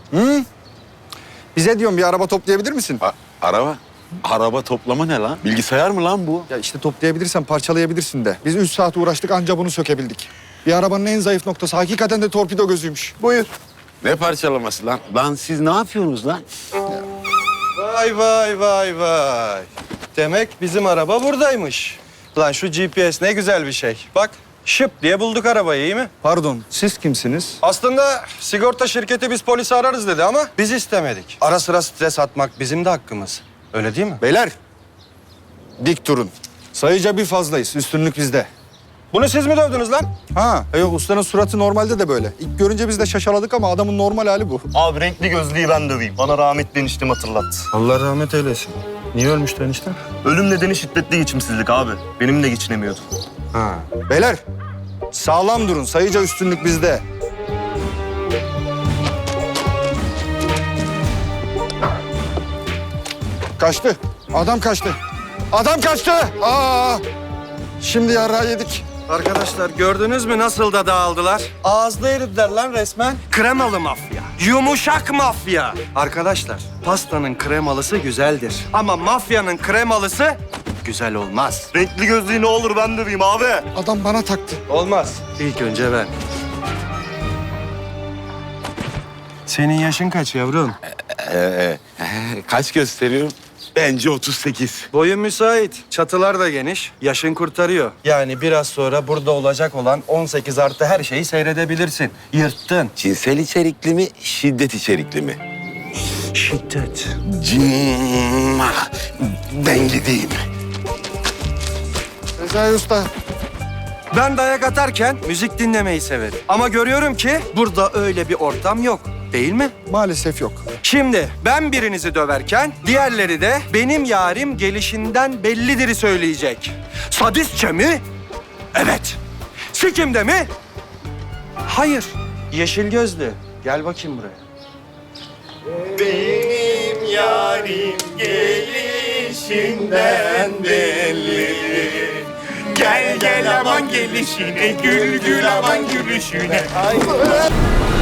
Hı? Bize diyorum bir araba toplayabilir misin? Araba? Araba toplama ne lan? Bilgisayar mı lan bu? Ya işte toplayabilirsen parçalayabilirsin de. Biz 3 saat uğraştık anca bunu sökebildik. Bir arabanın en zayıf noktası hakikaten de torpido gözüymüş. Buyur. Ne parçalaması lan? Lan siz ne yapıyorsunuz lan? Vay vay vay vay. Demek bizim araba buradaymış. Lan şu GPS ne güzel bir şey. Bak şıp diye bulduk arabayı, iyi mi? Pardon, siz kimsiniz? Aslında sigorta şirketi biz polisi ararız dedi ama biz istemedik. Ara sıra stres atmak bizim de hakkımız. Öyle değil mi? Beyler, dik durun. Sayıca bir fazlayız, üstünlük bizde. Bunu siz mi dövdünüz lan? Ha, yok ustanın suratı normalde de böyle. İlk görünce biz de şaşaladık ama adamın normal hali bu. Abi renkli gözlüğü ben döveyim. Bana rahmetli eniştem hatırlattı. Allah rahmet eylesin. Niye ölmüştü enişte? Ölüm nedeni şiddetli geçimsizlik abi. Benimle geçinemiyordu. Ha. Beyler, sağlam durun. Sayıca üstünlük bizde. Kaçtı. Adam kaçtı. Adam kaçtı. Aa! Şimdi yarağı yedik. Arkadaşlar gördünüz mü nasıl da dağıldılar? Ağızda eridiler lan resmen. Kremalı mafya. Yumuşak mafya. Arkadaşlar pastanın kremalısı güzeldir. Ama mafyanın kremalısı güzel olmaz. Renkli gözlüğü ne olur ben döveyim abi. Adam bana taktı. Olmaz. İlk önce ben. Senin yaşın kaç yavrum? Kaç gösteriyorum? Bence 38. Boyun müsait. Çatılar da geniş. Yaşın kurtarıyor. Yani biraz sonra burada olacak olan 18 artı her şeyi seyredebilirsin. Yırttın. Cinsel içerikli mi, şiddet içerikli mi? Şiddet. Cimma. Ben gideyim. Rezai Usta. Ben dayak atarken müzik dinlemeyi severim. Ama görüyorum ki burada öyle bir ortam yok. Değil mi? Maalesef yok. Şimdi ben birinizi döverken diğerleri de benim yarim gelişinden bellidir'i söyleyecek. Sadistçe mi? Evet. Sikimde mi? Hayır. Yeşil gözlü. Gel bakayım buraya. Benim yarim gelişinden belli. Gel gel aman gelişine, gül gül aman gülüşüne.